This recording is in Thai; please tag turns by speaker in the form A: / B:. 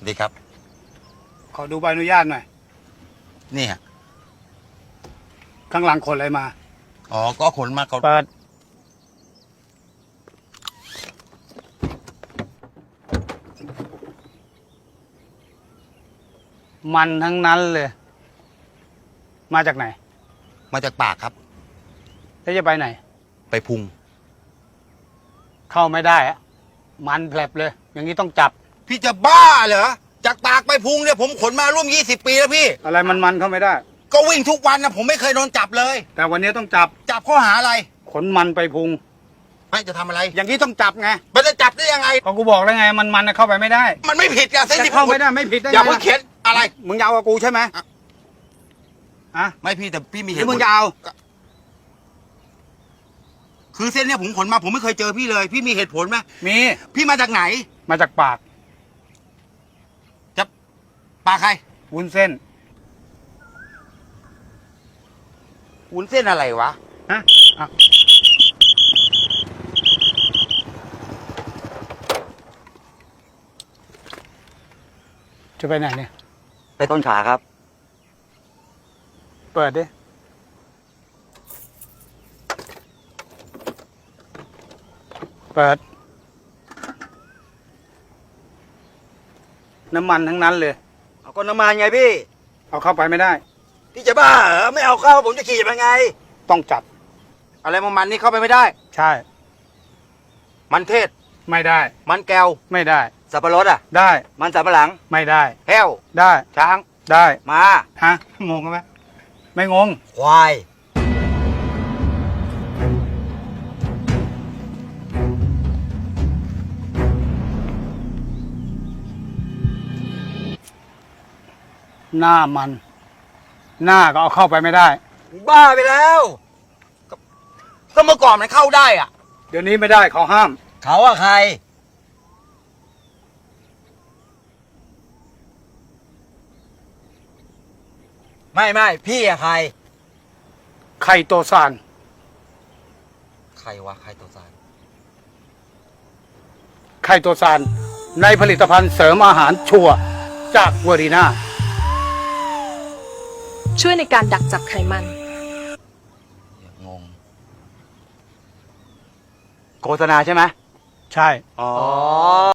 A: ดีครับ
B: ขอดูใบอนุญาตหน่อย
A: นี่ฮะ
B: ข้างหลังขนอะไรมา
A: อ๋อก็ขนมาเขา
B: เปิด มันทั้งนั้นเลย มาจากไหน
A: มาจากปากครับ
B: แล้วจะไปไหน
A: ไปพุง
B: เข้าไม่ได้อะมันแผลบเลย อย่างนี้ต้องจับ
A: พี่จะบ้าเหรอจากปากไปพุงเนี่ยผมขนมาร่วม20 ปีแล้วพี่
B: อะไรมันเข้าไม่ได้
A: ก็วิ่งทุกวันนะผมไม่เคยโดนจับเลย
B: แต่วันนี้ต้องจับ
A: จับข้อหาอะไร
B: ขนมันไปพุง
A: ไม่จะทำอะไร
B: อย่างนี้ต้องจับไง
A: มันจะจับได้ยังไง
B: ก็กูบอกแล้วไง มันเข้าไปไม่ได้
A: มันไม่ผิดกันเส้น
B: จะ
A: ที่
B: เข้าไม่ได้ไม่ผิดได้ไง
A: อย่าเพิ่งเข็นอะไร
B: มึงจะเอากับกูใช่ไหม
A: อ่ะ
B: อะ
A: ไม่พี่แต่พี่มี
B: ห
A: เห
B: รือ
A: ตุผ
B: มึ
A: ล
B: งจะเอา
A: คือเส้นเนี่ยผมขนมาผมไม่เคยเจอพี่เลย พี่มีเหตุผลไหม
B: มี
A: พี่มาจากไหน
B: มาจากปาก
A: จะปากใคร
B: วุ้นเส้น
A: วุ้นเส้นอะไรวะ
B: ฮะอ่ะจะไปไหนเนี่ย
C: ไปต้นขาครับ
B: เปิดดิ เปิด น้ำมันทั้งนั้นเลย
C: เอาก็น้ำมันไงพี่
B: เอาเข้าไปไม่ได้
C: พี่จะบ้าเหรอไม่เอาเข้าผมจะขี่ยังไง
B: ต้องจับ
A: อะไรมันนี่เข้าไปไม่ได้
B: ใช่
A: มันเทศ
B: ไม่ได้
A: มันแก้ว
B: ไม่ได้
C: สับปะรดอ่ะ
B: ได้
C: มันสับปะหลัง
B: ไม่ได้
A: แห้ว
B: ได้
A: ช้าง
B: ได้
C: มา
B: ฮะ งงไหมไม่งง
C: ควาย
B: หน้ามัน หน้าก็เอาเข้าไปไม่ได้
C: บ้าไปแล้ว
A: ก็เมื่อก่อนมันเข้าได้อ่ะ
B: เดี๋ยวนี้ไม่ได้เขาห้าม
C: เขาอะใคร ไม่พี่อะใคร
B: ไข่โตซาน
C: ใครวะใครตัวสาร
B: ไข่โตซานในผลิตภัณฑ์เสริมอาหารชัวร์จากเวอรีนา
D: ช่วยในการดักจับไขมัน
C: งงโฆษณาใช่ไหม
B: ใช่
C: อ๋อ